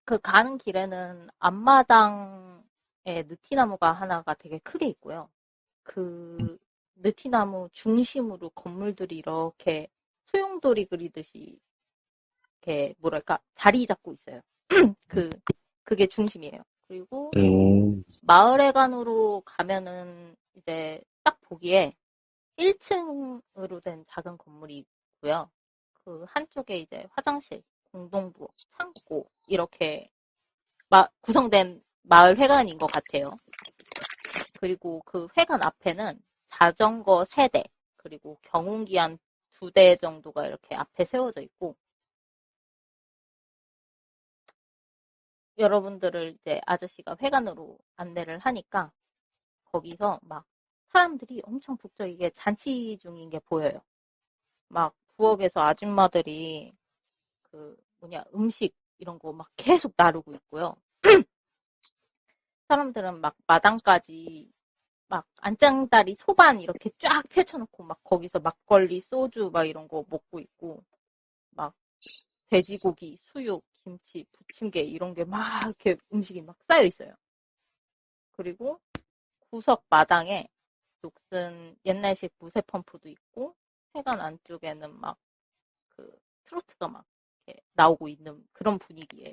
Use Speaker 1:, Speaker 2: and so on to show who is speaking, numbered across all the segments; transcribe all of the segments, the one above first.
Speaker 1: 그 가는 길에는 앞마당에 느티나무가 하나가 되게 크게 있고요. 그 느티나무 중심으로 건물들이 이렇게 소용돌이 그리듯이 이렇게 뭐랄까 자리 잡고 있어요. 그게 중심이에요. 그리고 마을회관으로 가면은 이제 딱 보기에 1층으로 된 작은 건물이 있고요. 그 한쪽에 이제 화장실, 공동부엌, 창고 이렇게 구성된 마을 회관인 것 같아요. 그리고 그 회관 앞에는 자전거 3대, 그리고 경운기 한 2대 정도가 이렇게 앞에 세워져 있고, 여러분들을 이제 아저씨가 회관으로 안내를 하니까 거기서 막 사람들이 엄청 북적이게 잔치 중인 게 보여요. 막 부엌에서 아줌마들이 음식 이런 거 막 계속 나르고 있고요. 사람들은 막 마당까지 막 안장다리 소반 이렇게 쫙 펼쳐놓고 막 거기서 막걸리, 소주 막 이런 거 먹고 있고, 막 돼지고기, 수육, 김치, 부침개 이런 게 막 이렇게 음식이 막 쌓여 있어요. 그리고 구석 마당에 녹슨 옛날식 무쇠 펌프도 있고, 회관 안쪽에는 막 그 트로트가 막 이렇게 나오고 있는 그런 분위기예요.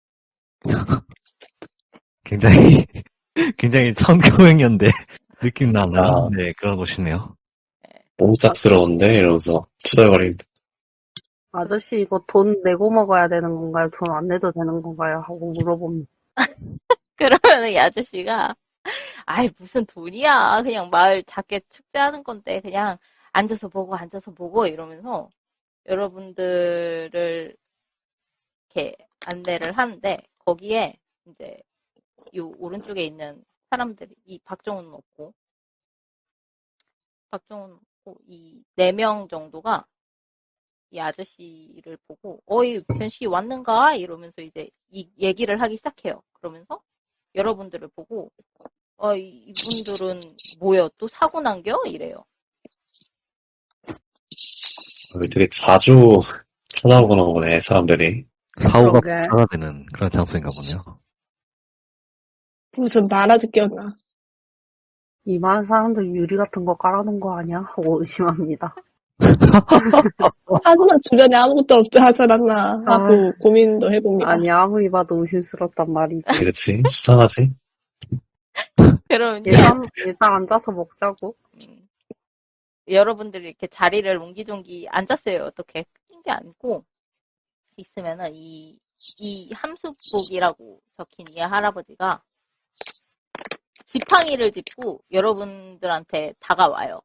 Speaker 2: 굉장히, 굉장히 1900년대 느낌 나는 네, 그런 곳이네요.
Speaker 1: 네.
Speaker 3: 뽕싹스러운데? 이러면서 투덜거리는.
Speaker 4: 아저씨 이거 돈 내고 먹어야 되는 건가요? 돈 안 내도 되는 건가요? 하고 물어봅니다.
Speaker 1: 그러면 이 아저씨가 아이 무슨 돈이야, 그냥 마을 작게 축제하는 건데 그냥 앉아서 보고 이러면서 여러분들을 이렇게 안내를 하는데, 거기에 이제 요 오른쪽에 있는 사람들이, 이 박정훈은 없고 이 4명 정도가 이 아저씨를 보고 어이 변씨 왔는가 이러면서 이제 이 얘기를 하기 시작해요. 그러면서 여러분들을 보고 이분들은 뭐야 또 사고 난겨 이래요.
Speaker 3: 되게 자주 찾아오거나 보네, 사람들이.
Speaker 2: 사고가
Speaker 4: 그러게.
Speaker 2: 사가 되는 그런 장소인가 보네요.
Speaker 5: 무슨 말아듣겼나.
Speaker 4: 이만 사람들 유리 같은 거 깔아놓은 거 아니야? 하고 의심합니다.
Speaker 5: 하지만 주변에 아무것도 없지 않았나 하고 고민도 해봅니다.
Speaker 4: 아니 아무리 봐도 의심스럽단 말이지.
Speaker 3: 그렇지? 수상하지?
Speaker 1: 그럼
Speaker 4: 일단 앉아서 먹자고.
Speaker 1: 여러분들이 이렇게 자리를 옹기종기 앉았어요. 어떻게 낀 게 아니고 있으면은 이 함수복이라고 적힌 이 할아버지가 지팡이를 짚고 여러분들한테 다가와요.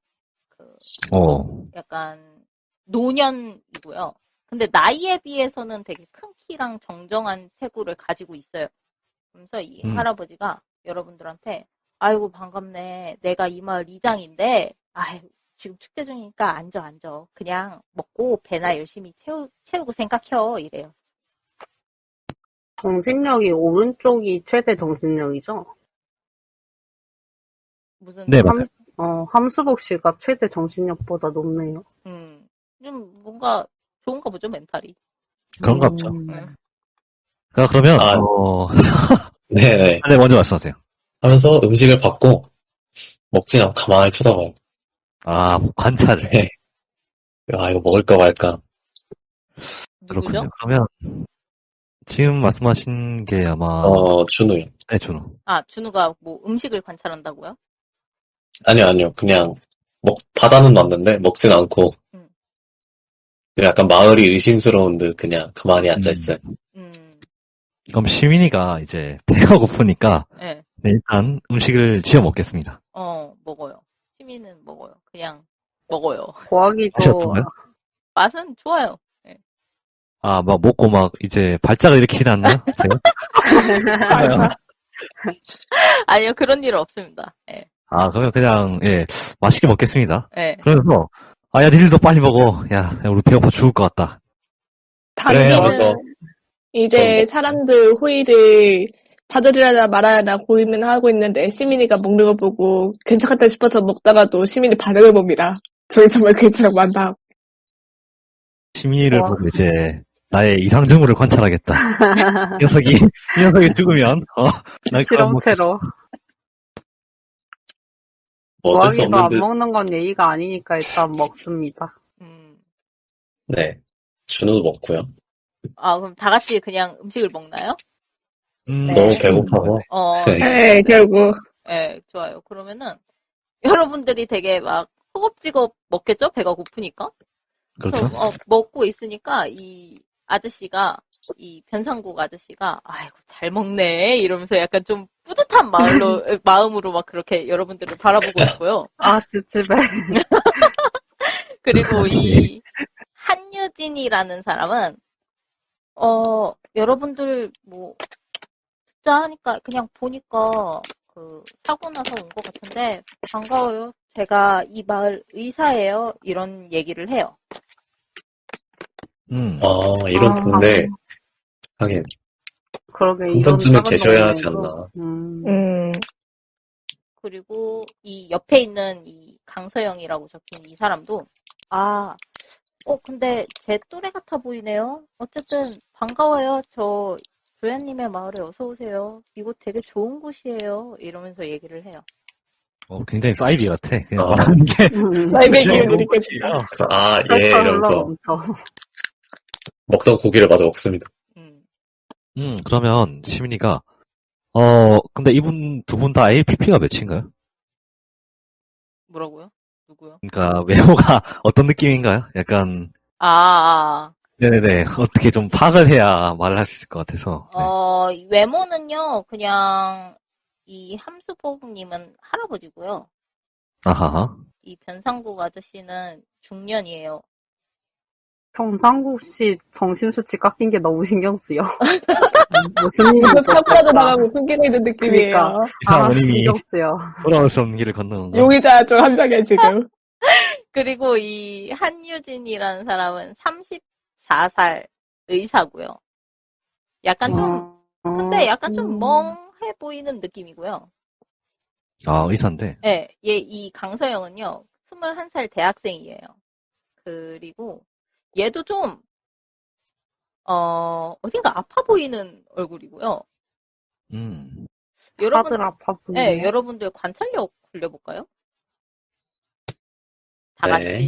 Speaker 1: 약간 노년이고요. 근데 나이에 비해서는 되게 큰 키랑 정정한 체구를 가지고 있어요. 그러면서 이 할아버지가 여러분들한테 아이고 반갑네. 내가 이 마을 이장인데 지금 축제 중이니까 앉아. 그냥 먹고 배나 열심히 채우고 생각해. 이래요.
Speaker 4: 정신력이 오른쪽이 최대 정신력이죠?
Speaker 1: 무슨
Speaker 2: 네, 맞아요.
Speaker 4: 함수복 씨가 최대 정신력보다 높네요.
Speaker 1: 좀 뭔가 좋은가 보죠, 멘탈이.
Speaker 2: 그런가 보죠.
Speaker 1: 네.
Speaker 2: 그러면
Speaker 3: 네네.
Speaker 2: 네, 먼저 말씀하세요.
Speaker 3: 하면서 음식을 받고 먹진 않고 가만히 쳐다봐요.
Speaker 2: 관찰을.
Speaker 3: 네. 이거 먹을까 말까.
Speaker 1: 누구죠?
Speaker 2: 그렇군요. 그러면 지금 말씀하신 게 아마
Speaker 3: 준우요.
Speaker 2: 네, 준우.
Speaker 1: 준우가 뭐 음식을 관찰한다고요?
Speaker 3: 아니요. 그냥 바다는 놨는데 먹진 않고 약간 마을이 의심스러운 듯 그냥 가만히 앉아있어요.
Speaker 2: 그럼 시민이가 이제 배가 고프니까
Speaker 1: 네,
Speaker 2: 일단 음식을 지어 먹겠습니다.
Speaker 1: 먹어요. 시민은 먹어요. 그냥 먹어요.
Speaker 4: 고하기도
Speaker 1: 맛은 좋아요. 네.
Speaker 2: 막 먹고 막 이제 발작을 일으키진 않나요? 제가?
Speaker 1: 아니요, 그런 일은 없습니다. 네.
Speaker 2: 그러면 그냥 맛있게 먹겠습니다.
Speaker 1: 네.
Speaker 2: 그러면서 야 니들도 빨리 먹어. 야 우리 배고파 죽을 것 같다.
Speaker 5: 당기는 이제 사람들 호의를 받으려나 말아야나 고민하고 있는데 시민이가 먹는 거 보고 괜찮겠다 싶어서 먹다가도 시민이 반응을 봅니다. 저희 정말 괜찮다고 한다.
Speaker 2: 시민이를 보고 이제 나의 이상증후를 관찰하겠다. 이 녀석이 죽으면, 날
Speaker 4: 실험체로.
Speaker 3: 뭐 어쩔 수
Speaker 4: 고양이도 안
Speaker 3: 없는데,
Speaker 4: 먹는 건 예의가 아니니까 일단 먹습니다.
Speaker 3: 네. 준우도 먹고요.
Speaker 1: 아, 그럼 다 같이 그냥 음식을 먹나요?
Speaker 3: 너무 배고파서. 네.
Speaker 5: 네, 결국.
Speaker 1: 네, 좋아요. 그러면은, 여러분들이 되게 막, 허겁지겁 먹겠죠? 배가 고프니까?
Speaker 2: 그렇죠.
Speaker 1: 그래서, 먹고 있으니까, 이 아저씨가, 이 변상국 아저씨가, 아이고, 잘 먹네. 이러면서 약간 좀 뿌듯한 마음으로 막 그렇게 여러분들을 바라보고 있고요.
Speaker 4: 아, 찝찝해.
Speaker 1: 그리고 이, 한유진이라는 사람은, 여러분들, 뭐, 듣자 하니까, 그냥 보니까, 사고 나서 온 것 같은데, 반가워요. 제가 이 마을 의사예요. 이런 얘기를 해요.
Speaker 3: 이런 동네. 하긴,
Speaker 4: 그러게,
Speaker 3: 한
Speaker 4: 이런
Speaker 3: 번쯤은
Speaker 4: 작은
Speaker 3: 계셔야 하지
Speaker 4: 동네에도.
Speaker 3: 않나.
Speaker 1: 그리고 이 옆에 있는 이 강서영이라고 적힌 이 사람도, 근데 제 또래 같아 보이네요. 어쨌든 반가워요. 저 조연님의 마을에 어서 오세요. 이곳 되게 좋은 곳이에요. 이러면서 얘기를 해요.
Speaker 2: 굉장히 사이비 같아. 그냥 말하는 게.
Speaker 5: 사이비 기운을 느껴지죠.
Speaker 3: 그래서,
Speaker 4: 그렇죠,
Speaker 3: 이러면서
Speaker 4: 엄청.
Speaker 3: 먹던 고기를 마저 먹습니다.
Speaker 2: 그러면 시민이가, 근데 두 분 다 APP가 몇인가요?
Speaker 1: 뭐라고요? 누구요?
Speaker 2: 그러니까 외모가 어떤 느낌인가요? 약간, 네네네. 어떻게 좀 파악을 해야 말을 할 수 있을 것 같아서. 네.
Speaker 1: 외모는요, 그냥, 이 함수복님은 할아버지고요.
Speaker 2: 아하하.
Speaker 1: 이 변상국 아저씨는 중년이에요.
Speaker 4: 평상국 씨 정신수치 깎인 게 너무 신경 쓰여. 무슨 일이
Speaker 5: 사고라도 나가고 숨기고 있는 느낌이에요.
Speaker 2: 이사모님이
Speaker 4: 신경 쓰여.
Speaker 2: 돌아올 수 없는 길을 걷는 거.
Speaker 5: 용의자 중 한 명이야, 지금.
Speaker 1: 그리고 이 한유진이라는 사람은 34살 의사고요. 약간 근데 약간 좀 멍해 보이는 느낌이고요.
Speaker 2: 의사인데.
Speaker 1: 네, 이 강서영은요, 21살 대학생이에요. 그리고 얘도 좀, 어딘가 아파 보이는 얼굴이고요.
Speaker 4: 다들 아파 보이네.
Speaker 1: 네, 여러분들 관찰력 굴려볼까요? 다 같이.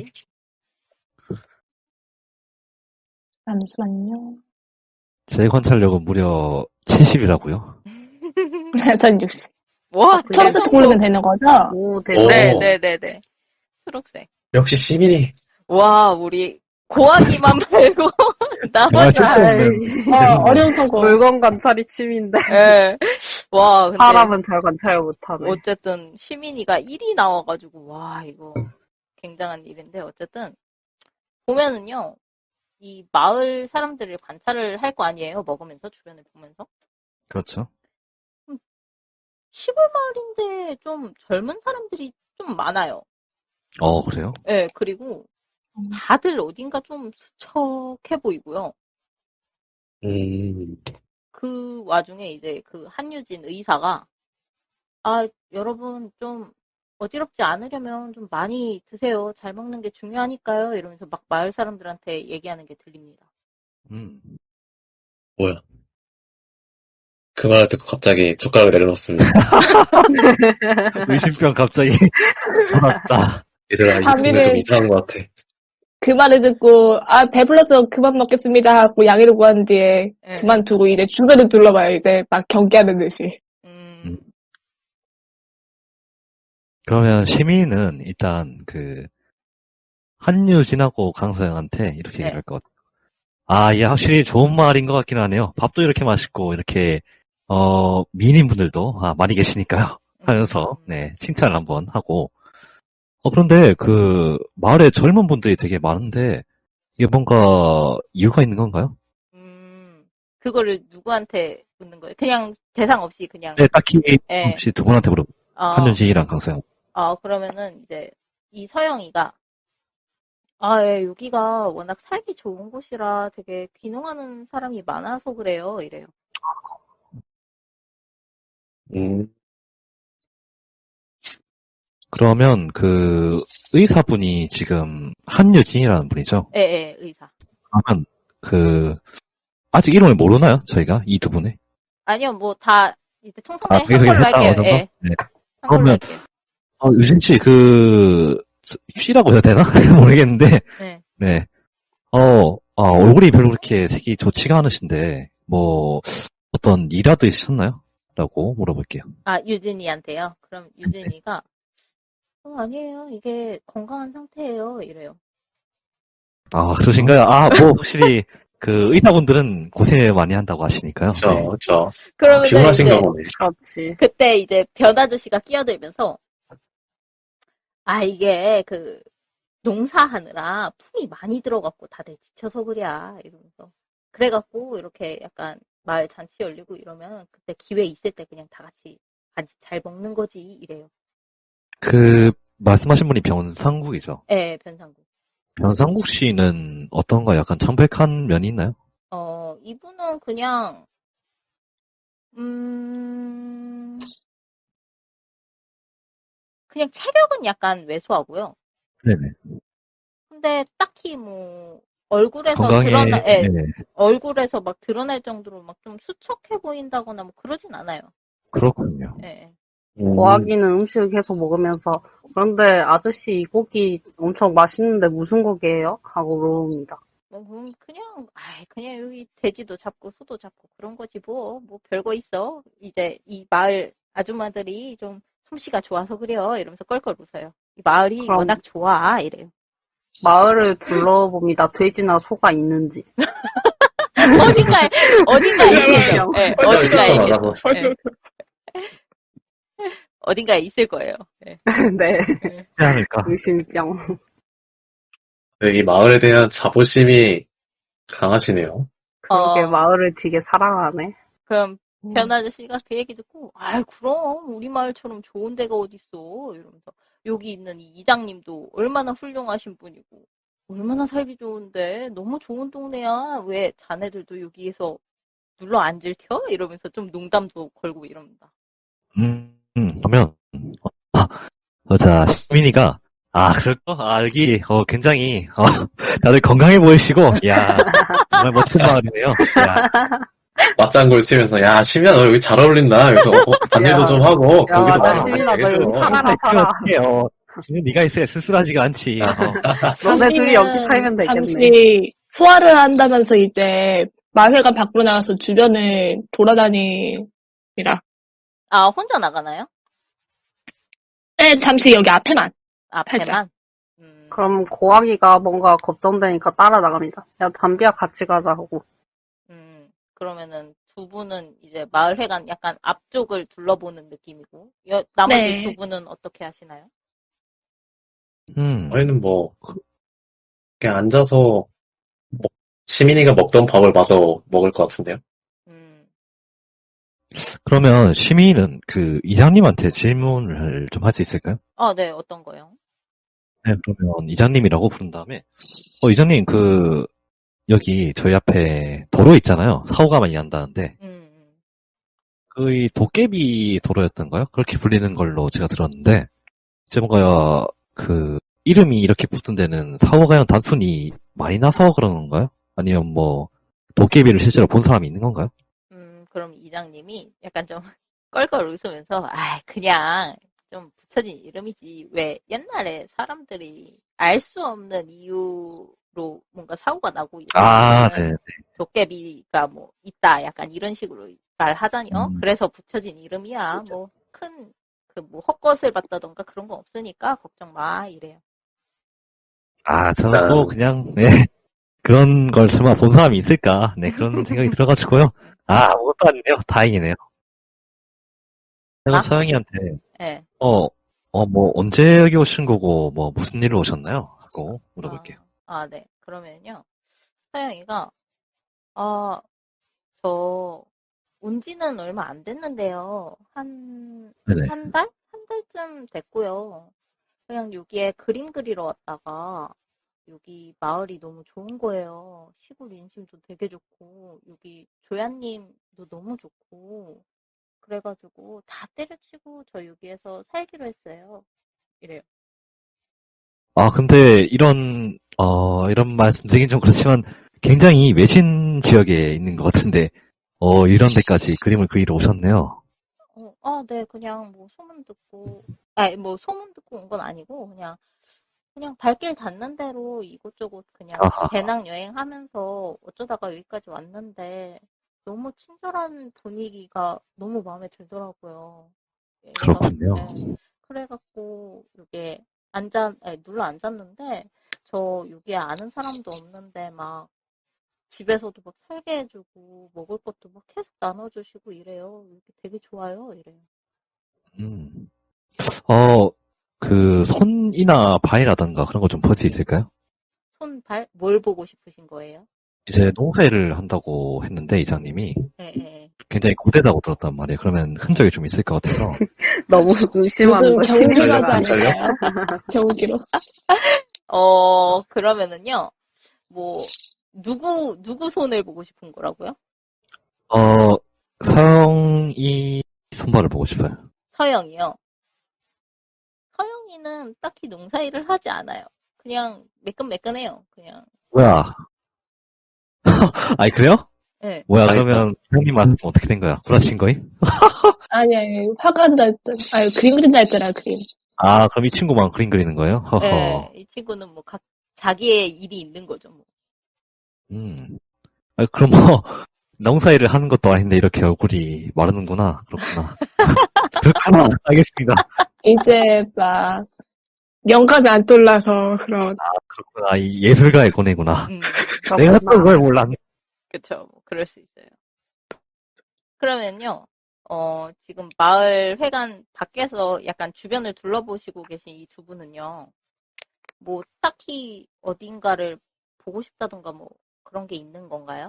Speaker 5: 잠시만요.
Speaker 2: 제 관찰력은 무려 70이라고요.
Speaker 5: 전 60.
Speaker 1: 와,
Speaker 5: 초록색 고르면 되는 거죠?
Speaker 4: 오,
Speaker 1: 네네네네. 초록색.
Speaker 3: 역시 시민이.
Speaker 1: 와, 우리 고아기만 말고 나머지
Speaker 5: 어려운 선거.
Speaker 4: 물건 관찰이 취미인데.
Speaker 1: 네. 와, 근데
Speaker 4: 사람은 잘 관찰 못하네.
Speaker 1: 어쨌든 시민이가 1이 나와가지고 와, 이거 굉장한 일인데 어쨌든 보면은요, 이 마을 사람들을 관찰을 할 거 아니에요. 먹으면서 주변을 보면서.
Speaker 2: 그렇죠.
Speaker 1: 시골 마을인데 좀 젊은 사람들이 좀 많아요.
Speaker 2: 그래요?
Speaker 1: 네, 그리고 다들 어딘가 좀 수척해 보이고요. 그 와중에 이제 그 한유진 의사가 여러분 좀 어지럽지 않으려면 좀 많이 드세요. 잘 먹는 게 중요하니까요. 이러면서 막 마을 사람들한테 얘기하는 게 들립니다.
Speaker 3: 뭐야. 그 말을 듣고 갑자기 젓가락을 내려놓습니다.
Speaker 2: 의심병 갑자기 돌았다.
Speaker 3: 얘들아, 이 동네 좀 이상한 것 같아.
Speaker 5: 그 말을 듣고 배불러서 그만 먹겠습니다 하고 양해를 구한 뒤에 그만두고 이제 주변을 둘러봐요. 이제 막 경계하는 듯이.
Speaker 2: 그러면 시민은 일단 한유진하고 강서영한테 이렇게 얘기할 것 같아요. 이게 확실히 좋은 말인 것 같긴 하네요. 밥도 이렇게 맛있고 이렇게 미인분들도 많이 계시니까요. 하면서 칭찬을 한번 하고. 그런데 마을에 젊은 분들이 되게 많은데 이게 뭔가 이유가 있는 건가요?
Speaker 1: 그거를 누구한테 묻는 거예요? 그냥 대상 없이 그냥.
Speaker 2: 네, 딱히 없이 두 분한테 물어보. 한유진이랑 강서영.
Speaker 1: 그러면은 이제 이 서영이가 여기가 워낙 살기 좋은 곳이라 되게 귀농하는 사람이 많아서 그래요. 이래요.
Speaker 2: 그러면 의사분이 지금 한유진이라는 분이죠?
Speaker 1: 네, 의사.
Speaker 2: 그러면 아직 이름을 모르나요? 저희가? 이 두 분의?
Speaker 1: 아니요, 뭐 다 이제 총선에 한
Speaker 2: 여기서
Speaker 1: 걸로
Speaker 2: 했다,
Speaker 1: 할게요.
Speaker 2: 어느 거?
Speaker 1: 예.
Speaker 2: 네.
Speaker 1: 한 걸로
Speaker 2: 그러면,
Speaker 1: 할게요.
Speaker 2: 유진 씨, 쉬라고 해야 되나? 모르겠는데,
Speaker 1: 네.
Speaker 2: 네. 얼굴이 별로 그렇게 색이 좋지가 않으신데, 뭐, 어떤 일화도 있으셨나요? 라고 물어볼게요.
Speaker 1: 아, 유진이한테요? 그럼 유진이가, 아니에요. 이게 건강한 상태예요. 이래요.
Speaker 2: 아, 그러신가요? 뭐, 확실히, 의사분들은 고생을 많이 한다고 하시니까요.
Speaker 3: 그쵸,
Speaker 2: 네.
Speaker 3: 그쵸.
Speaker 1: 그러면
Speaker 3: 피곤하신가 보네.
Speaker 4: 그렇지.
Speaker 1: 그때 이제 변 아저씨가 끼어들면서, 이게 농사하느라 품이 많이 들어갖고 다들 지쳐서 그랴. 이러면서. 그래갖고 이렇게 약간 마을 잔치 열리고 이러면 그때 기회 있을 때 그냥 다 같이 잘 먹는 거지. 이래요.
Speaker 2: 말씀하신 분이 변상국이죠?
Speaker 1: 네, 변상국.
Speaker 2: 변상국 씨는 어떤가 약간 창백한 면이 있나요?
Speaker 1: 이분은 그냥, 그냥 체격은 약간 왜소하고요.
Speaker 2: 네네.
Speaker 1: 근데 딱히 뭐, 얼굴에서
Speaker 2: 건강에, 네.
Speaker 1: 얼굴에서 막 드러날 정도로 막 좀 수척해 보인다거나 뭐 그러진 않아요.
Speaker 2: 그렇군요.
Speaker 1: 네.
Speaker 4: 고아기는 음식을 계속 먹으면서 그런데 아저씨 이 고기 엄청 맛있는데 무슨 고기예요? 하고 물어봅니다.
Speaker 1: 그냥 여기 돼지도 잡고 소도 잡고 그런 거지 뭐 별거 있어. 이제 이 마을 아줌마들이 좀 솜씨가 좋아서 그래요. 이러면서 껄껄 웃어요. 이 마을이 워낙 좋아. 이래요.
Speaker 4: 마을을 둘러봅니다. 돼지나 소가 있는지.
Speaker 1: 어딘가에 있겠죠. 네, 어딘가에 있겠죠. 네. 어딘가에 있을 거예요. 네.
Speaker 4: 네.
Speaker 2: 그렇지 않을까?
Speaker 4: 의심병.
Speaker 3: 이 마을에 대한 자부심이 강하시네요.
Speaker 4: 그렇게 마을을 되게 사랑하네.
Speaker 1: 그럼 변 아저씨가 그 얘기 듣고, 그럼 우리 마을처럼 좋은 데가 어딨어. 이러면서 여기 있는 이 이장님도 얼마나 훌륭하신 분이고 얼마나 살기 좋은데 너무 좋은 동네야. 왜 자네들도 여기에서 눌러 앉을 텨? 이러면서 좀 농담도 걸고 이럽니다.
Speaker 2: 그러면 자, 시민이가 그럴까? 여기 굉장히 다들 건강해 보이시고 야 정말 멋진 마을이네요. 야.
Speaker 3: 맞장구를 치면서 야 시민아 너 여기 잘 어울린다. 그래서 반일도 좀 하고 거기도
Speaker 4: 맞아, 시민아 너 여기 살아라.
Speaker 2: 지금 네가 있어야 쓸쓸하지가 않지.
Speaker 4: 너네 둘이 여기 살면 되겠네.
Speaker 5: 잠시 소화를 한다면서 이제 마을회관 밖으로 나가서 주변을 돌아다닙니다.
Speaker 1: 혼자 나가나요?
Speaker 5: 네, 잠시 여기 앞에만.
Speaker 1: 앞에만?
Speaker 4: 그럼 고아기가 뭔가 걱정되니까 따라 나갑니다. 야, 담비야 같이 가자 하고.
Speaker 1: 그러면은 두 분은 이제 마을회관 약간 앞쪽을 둘러보는 느낌이고, 나머지
Speaker 5: 네.
Speaker 1: 두 분은 어떻게 하시나요?
Speaker 3: 저희는 뭐 그냥 앉아서 시민이가 먹던 밥을 마저 먹을 것 같은데요.
Speaker 2: 그러면 시민은 이장님한테 질문을 좀 할 수 있을까요?
Speaker 1: 네, 어떤 거요?
Speaker 2: 네, 그러면 이장님이라고 부른 다음에 이장님 여기 저희 앞에 도로 있잖아요. 사고가 많이 난다는데 이 도깨비 도로였던가요? 그렇게 불리는 걸로 제가 들었는데 이제 뭔가 이름이 이렇게 붙은 데는 사고가 그냥 단순히 많이 나서 그러는 건가요? 아니면 뭐 도깨비를 실제로 본 사람이 있는 건가요?
Speaker 1: 그럼 이장님이 약간 좀 껄껄 웃으면서 그냥 좀 붙여진 이름이지 왜 옛날에 사람들이 알 수 없는 이유로 뭔가 사고가 나고
Speaker 2: 네.
Speaker 1: 도깨비가 뭐 있다 약간 이런 식으로 말하자니요. 그래서 붙여진 이름이야. 뭐 큰 뭐 헛것을 봤다던가 그런 거 없으니까 걱정 마 이래요.
Speaker 2: 저는 또 그냥 그런 걸 설마 본 사람이 있을까? 네, 그런 생각이 들어가지고요. 아무것도 아니네요. 다행이네요. 그럼 서영이한테
Speaker 1: 네.
Speaker 2: 뭐 언제 여기 오신 거고 뭐 무슨 일로 오셨나요? 하고 물어볼게요.
Speaker 1: 네. 그러면요. 서영이가 저 온 지는 얼마 안 됐는데요. 한 달? 한 달쯤 됐고요. 그냥 여기에 그림 그리러 왔다가 여기 마을이 너무 좋은 거예요. 시골 인심도 되게 좋고 여기 조야님도 너무 좋고 그래가지고 다 때려치고 저 여기에서 살기로 했어요. 이래요.
Speaker 2: 근데 이런 말씀 드리긴 좀 그렇지만 굉장히 외진 지역에 있는 것 같은데, 이런 데까지 그림을 그리러 오셨네요.
Speaker 1: 네, 그냥 뭐 소문 듣고, 뭐 소문 듣고 온 건 아니고, 그냥 발길 닿는 대로 이곳저곳 그냥
Speaker 2: 아하,
Speaker 1: 배낭 여행하면서 어쩌다가 여기까지 왔는데, 너무 친절한 분위기가 너무 마음에 들더라고요.
Speaker 2: 그렇군요.
Speaker 1: 그래갖고, 이게 눌러 앉았는데, 저 여기에 아는 사람도 없는데, 막, 집에서도 막 살게 해주고, 먹을 것도 막 계속 나눠주시고 이래요. 이렇게 되게 좋아요, 이래요.
Speaker 2: 음. 그 손이나 발이라던가 그런 거 좀 볼 수 있을까요?
Speaker 1: 손발? 뭘 보고 싶으신 거예요?
Speaker 2: 이제 농사일을 한다고 했는데 이장님이
Speaker 1: 예.
Speaker 2: 굉장히 고되다고 들었단 말이에요. 그러면 흔적이 좀 있을 것 같아서.
Speaker 4: 너무 의심하는
Speaker 5: 요즘
Speaker 4: 거지.
Speaker 5: 경기로 하지
Speaker 3: 관찰력?
Speaker 5: 않을까요? 경기로.
Speaker 1: 그러면은요, 뭐, 누구 손을 보고 싶은 거라고요?
Speaker 2: 서영이 손발을 보고 싶어요.
Speaker 1: 서영이요. 서영이는 딱히 농사일을 하지 않아요. 그냥 매끈매끈해요. 그냥.
Speaker 2: 뭐야? 아니 그래요?
Speaker 1: 네.
Speaker 2: 뭐야
Speaker 3: 알겠다.
Speaker 2: 그러면 형님한테 어떻게 된 거야? 구라친 거임?
Speaker 5: 아니, 화가 난다 했더라. 그림 그린다 했더라, 그림.
Speaker 2: 아 그럼 이 친구만 그림 그리는 거예요? 허허.
Speaker 1: 네, 이 친구는 뭐 자기의 일이 있는 거죠. 뭐.
Speaker 2: 그럼 뭐 농사일을 하는 것도 아닌데 이렇게 얼굴이 마르는구나. 그렇구나. 그렇구나. 알겠습니다.
Speaker 5: 이제 막 영감이 안 떠올라서 그런.
Speaker 2: 그렇구나. 이 예술가의 고뇌구나.
Speaker 1: 음,
Speaker 2: 내가 또 그걸 몰랐네.
Speaker 1: 그쵸. 뭐 그럴 수 있어요. 그러면요, 지금 마을 회관 밖에서 약간 주변을 둘러보시고 계신 이 두 분은요, 뭐 딱히 어딘가를 보고 싶다던가 뭐 그런 게 있는 건가요?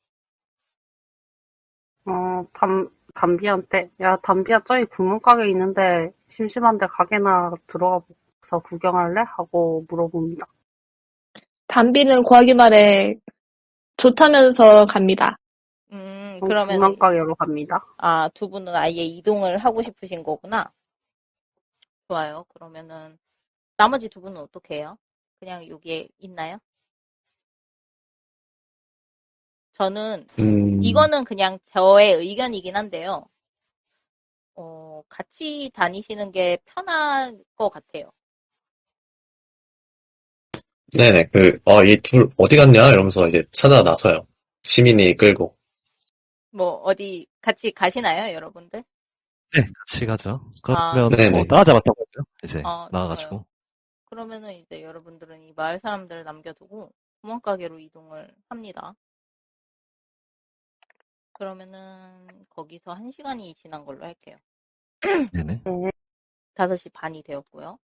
Speaker 4: 담비한테, 야, 담비야, 저기 구멍가게 있는데, 심심한데 가게나 들어가서 구경할래? 하고 물어봅니다.
Speaker 5: 담비는 고하기 말에 좋다면서 갑니다.
Speaker 1: 그러면,
Speaker 4: 구멍가게로 갑니다.
Speaker 1: 두 분은 아예 이동을 하고 싶으신 거구나. 좋아요. 그러면은, 나머지 두 분은 어떻게 해요? 그냥 여기에 있나요? 저는, 이거는 그냥 저의 의견이긴 한데요. 같이 다니시는 게 편할 것 같아요.
Speaker 3: 네네, 이 둘 어디 갔냐? 이러면서 이제 찾아 나서요. 시민이 끌고.
Speaker 1: 뭐, 어디 같이 가시나요, 여러분들?
Speaker 2: 네, 같이 가죠. 그러면
Speaker 3: 네네.
Speaker 2: 따라잡았다고 하죠. 이제
Speaker 1: 좋아요.
Speaker 2: 나와가지고.
Speaker 1: 그러면은 이제 여러분들은 이 마을 사람들을 남겨두고 구멍가게로 이동을 합니다. 그러면은 거기서 1시간이 지난 걸로 할게요.
Speaker 2: 네네.
Speaker 1: 5시 반이 되었고요.